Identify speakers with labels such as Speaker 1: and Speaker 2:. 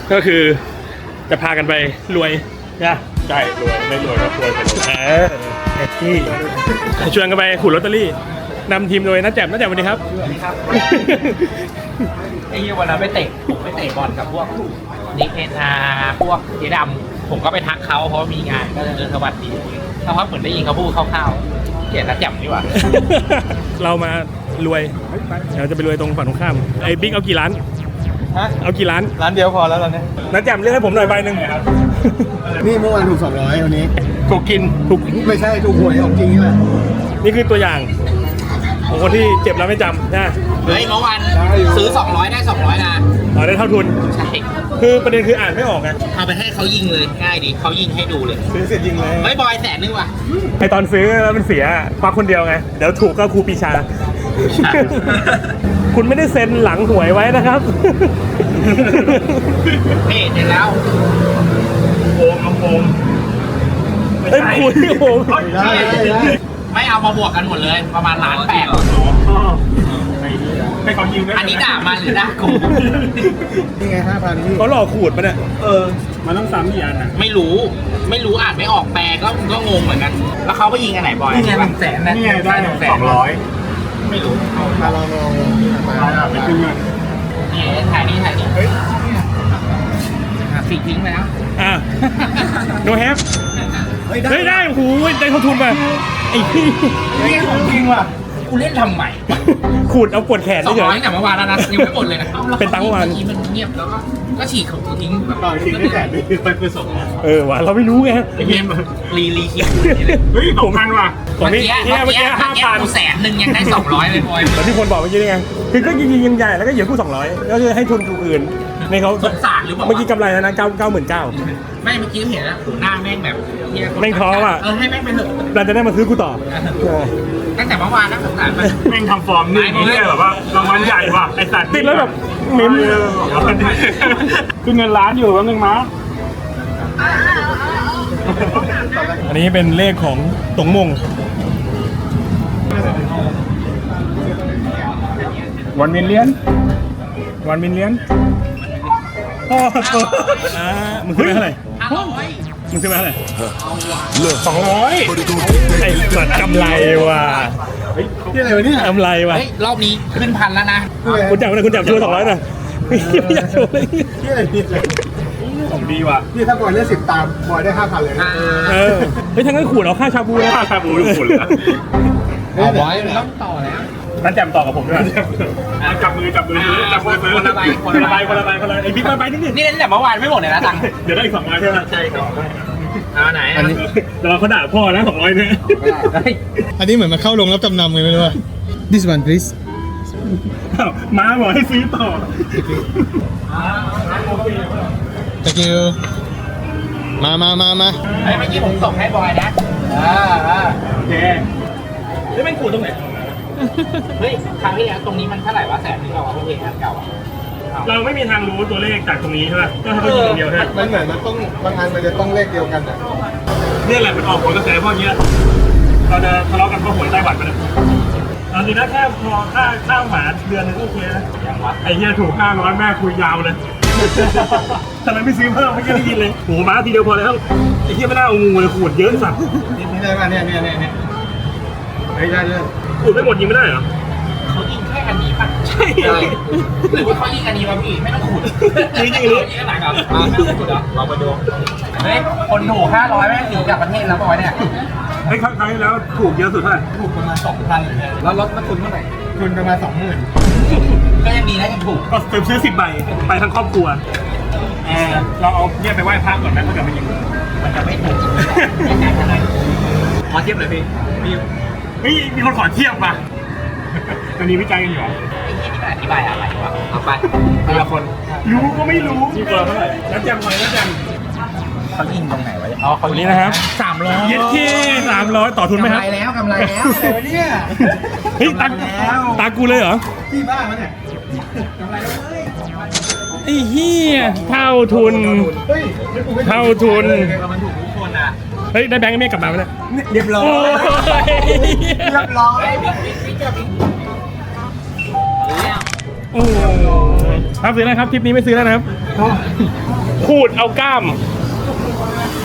Speaker 1: ก็คือจะพากันไปรวยนะใช่รวยไม่รวยก็รวยไปเลยไอ้ที่ชวนกันไปขูดลอตเตอรี่นำทีมโดยน้าแจ่มน้าแจ่มสวัสดีครับ
Speaker 2: ครับไอ้วันนั้นไปเตะบอลกับพวกนิกเอ็นอาร์พวกเจดำผมก็ไปทักเขาเพราะมีงานก็เลยสวัสดีแล้วเขาเหมือนได้ยินเขาพูดคร่าวๆเขียนแล้วแจ่มดีกว่า
Speaker 1: เรามารวยเราจะไปรวยตรงฝั่งตรงข้ามไอ้บิ๊กเอากี่ล้าน
Speaker 3: ฮะ
Speaker 1: เอากี่ล้าน
Speaker 3: ร้านเดียวพอแล้วตอนนี้
Speaker 1: น้าแจ่มเลือกให้ผมหน่อยใบหนึ่ง
Speaker 3: นี่เมื่อวานถูก200วันนี้
Speaker 1: ถูกกินถูก
Speaker 3: ไม่ใช่ถูกหวยของจริงนี่แหละ
Speaker 1: นี่คือตัวอย่างของคนที่เจ็บแล้วไม่จำนะ
Speaker 2: เฮ้ยเมื่อวานซื้อ200ได้200นะ
Speaker 1: เอาได้เท่าทุน
Speaker 2: ใช่
Speaker 1: คือประเด็นคืออ่านไม่ออกไง
Speaker 2: เอาไปให้เขายิงเลยง่ายดีเขายิงให้ดูเลย
Speaker 3: ซื้อเสร็จยิงเลย
Speaker 2: เฮ้ยบอย100,000ว่ะ
Speaker 1: ไอตอนซื้อแล้วมันเสียควักคนเดียวไงเดี๋ยวถูกก็ครูปีชา คุณไม่ได้เซ็นหลังหวยไว้นะครับ
Speaker 2: นี่เสร็จแล้ว
Speaker 1: โอมเอ้ยคุณโอม
Speaker 3: ได้ได้
Speaker 2: ไม่เอามาบวกกันหมดเลยประมาณ1.8 ล้าน
Speaker 1: ให้เขายิงด้วย
Speaker 2: อันนี้ด่ามันหรือด่ากู
Speaker 3: นี่ไง5,000พี่
Speaker 1: เขาหลอกขูดปะเนี่ย
Speaker 3: มันต้องซ้ำกี่อันอ่ะ
Speaker 2: ไม่รู้อ่านไม่ออกแปลก็งงเหมือนกัน แล้วเขาไปยิงอันไหนบอย
Speaker 3: นี่ไง
Speaker 2: 100,000นะ
Speaker 3: นี่ไงได้
Speaker 2: 100,000ไม่รู้
Speaker 3: มาลองมาไปขึ้นเงิน
Speaker 2: นี่ถ่ายนี่สีทิ้งไปแล้ว
Speaker 1: อ่ะโนแฮปเฮ้ยได้โอ้โหได้เท่าทุนป่ะไอ้พี่
Speaker 3: นี่ของจริงว่ะ
Speaker 2: กูเล่นทำใหม่
Speaker 1: ขูดเอาปวดแขน
Speaker 2: 200
Speaker 1: เฉย
Speaker 2: แต่เมื่อวานแล้วนะยังไม่หมดเลยนะ
Speaker 1: เป็นตังค์เมื่อวาน
Speaker 2: กี้มันเงียบแล้วก็ฉีกของกูทิ้งแบบ
Speaker 3: ต่อจริงได้8 ปีไปส่ง
Speaker 1: ว่ะเราไม่รู้ไง
Speaker 2: ไอ้เกมรีคิด
Speaker 1: เฮ้ย2,000ว่ะผม
Speaker 2: เมื่อ
Speaker 1: นี่
Speaker 2: กี้
Speaker 1: เมื่อกี้5,000
Speaker 2: กู100,000ยังได้200เลยบอย
Speaker 1: แล้วที่คนบอกเมื่อกี้นี่ไงคือก็ยิงใหญ่แล้วก็เหยียบกู้200ก็คือให้ทุนกูอื่นในเขา
Speaker 2: สงสารหรือเปล่า
Speaker 1: เมื่อกี้กำไรแล้วนะ99,000
Speaker 2: ไม่เมื่อกี้เห็นแล้วหน้าแม่งแบบเหี้ย
Speaker 1: แม่งท้อว่ะ
Speaker 2: ให้แม่งไปเถอะ
Speaker 1: เราจะได้มาซื้อกูต่อ
Speaker 2: ตั้งแต่เมื่อวานแล้วสงสารมัน
Speaker 4: แม่งทำฟอร์มนี่เนี่ยแบบว่ารางวัลใหญ่ว่ะไอสัตว์
Speaker 1: ติดแล้วแบบเม้ม
Speaker 4: คือเงินล้านอยู่แป๊บนึงมั้ง
Speaker 1: อันนี้เป็นเลขของตงมง
Speaker 4: วันมิลเลียน
Speaker 1: วันมินเลียนมึงซื้อไปเท่าไหร่
Speaker 2: 500
Speaker 1: มึงซื้อไปเท่าไหร่
Speaker 4: 200
Speaker 1: ไอ้สัตว์กำไรว่ะ
Speaker 3: ที่อะไรวะเนี่ย
Speaker 1: กำไรว่ะ
Speaker 2: เฮ้ยรอบนี้ขึ้น1,000แล้วนะ
Speaker 1: คุณจับช่วย200นะไม่อยากโชว์เลย
Speaker 3: ที่อะไรเนี่ย
Speaker 4: ของดีว่ะ
Speaker 3: นี่ถ้าบอยเล่น10 ตามบอยได้ 5,000 เลยนะ
Speaker 1: เฮ้ยทั้งนั้นขูดเอาค่าชาบูนะ
Speaker 4: ค่าชาบูอยู่คนละ
Speaker 2: เอาบอยต้องต่อแล้ว
Speaker 1: นั่นแจมต่อกับผมด้วย
Speaker 4: จับมือซื้อจับมือซื้อ
Speaker 2: คนละใบ
Speaker 1: คนละใบไอ้บิ๊กใบนึงดิ
Speaker 2: นี่เล่นแต่เมื่อวานไม่หมดเลยนะตังค์
Speaker 1: เดี๋ยวได้อีก200ใช่ไหม
Speaker 2: ใช่ครับเอาไหน
Speaker 3: อันนี้
Speaker 1: แต่เราเขาด่าพ่อนะ200เนี่ย
Speaker 3: อันนี้เหมือนมาเข้าลงรับจำนำเลยไม่รู้ว่า This one please
Speaker 1: มาบอกให้ซื้อต่อ
Speaker 3: Thank you มา
Speaker 2: เฮ้ยเมื่อกี้ผมส่งให้บอยนะ
Speaker 1: โอเคแล้วแม่งขูดตรงไหน
Speaker 2: เฮ้ยครั้งที่แล้วตรงนี้มันเท่าไหร่วะ100,000ที่เราเอาเพลงอันเก่าอ่ะ
Speaker 1: เราไม่มีทางรู้ตัวเลขจากตรงนี้ใช่ไหมก็ให้เขายิงอย่างเดียวใช่ไหม
Speaker 3: มันเหมือนมันต้องบางอันมันจะต้องเลขเดียวกันอ่ะ
Speaker 1: เนี่ยแหละมันออกผลกระแสพวกนี้เราจะทะเลาะกันเพราะหวยไต้หวันมันตอนนี้นะแค่พอค่าหมาเดือนนึงโอเคนะไอ้เหี้ยถูก500แม่คุยยาวเลยทำไมไม่ซื้อเพิ่มไม่ได้ยินเลยโหม้าทีเดียวพอแล้วไอ้เหี้ยไม่น่าเอางูเลยขูดเยอะสัตว์
Speaker 3: นี่ได้ป่ะเนี่ยเฮ้ยได้เลย
Speaker 1: ขูดไม่หมดยิงไม่ได้เหรอ
Speaker 2: เขายิงแค่อันนี้ป่ะ
Speaker 1: ใช่
Speaker 2: หรือว่าเขายิงอันนี้มาพี่ไม่ต้องขุด
Speaker 1: ยิงหรือ
Speaker 2: ยิงอันไหนครับขุดเหรอเราไปดูเฮ้ยคนถูก500แม่งหนีกลับประเทศแล้วบอยเนี่ย
Speaker 1: ไอ้ครั้งที่แล้วถูกเยอะสุดเท่าไหร่
Speaker 3: ถูกประมาณ 2,000แล้วลดมาทุนเท่าไหร่ทุนประมาณ 20,000
Speaker 2: ก็ยังดีนะยังถูก
Speaker 1: ก็ซื้อ10 ใบไปทั้งครอบครัวเราเอาเนี่ยไปไหว้พระก่อนนะถ้าเกิดมันยิง
Speaker 2: มันจะไม่ถูกขอเทียบเลยพี่
Speaker 1: เฮ้ยมีคนขอเทียบมาตอนนี้วิจัยกันอยู่
Speaker 2: ไอ้ที่นี่มันอธิบายอะไรวะเอาไปแต่ละคน
Speaker 1: รู้ก็ไม่รู้ที่เปิดเท่าไหร่แล้วแจมหน่อยแล้วแจม
Speaker 2: เขายิงตรงไหนวะอ๋อเขา
Speaker 1: วันนี้นะครับ
Speaker 2: 300
Speaker 1: เย็ดที่300ต่อทุนไหมครับ
Speaker 2: กำไรแล้ว
Speaker 3: อะไรวะเนี่ย
Speaker 1: เฮ้ยตากูเลยเหรอ
Speaker 3: ที่บ้านมันเนี่ย
Speaker 1: ไอ้เหี้ยเท่าทุน
Speaker 3: เฮ้ย
Speaker 1: เท่าทุน
Speaker 2: มันถูกทุกคนอ่ะ
Speaker 1: เฮ้ยได้แบงค์ไม่กลับมาไหมเนี่ย
Speaker 3: เรียบร้อย
Speaker 1: โอ้ย
Speaker 3: เรียบร้อย
Speaker 2: พี่เจ้าพี่
Speaker 4: โอ้ครับซื้อแล้วครับทริปนี้ไม่ซื้อแล้วนะครับขูดเอากล้าม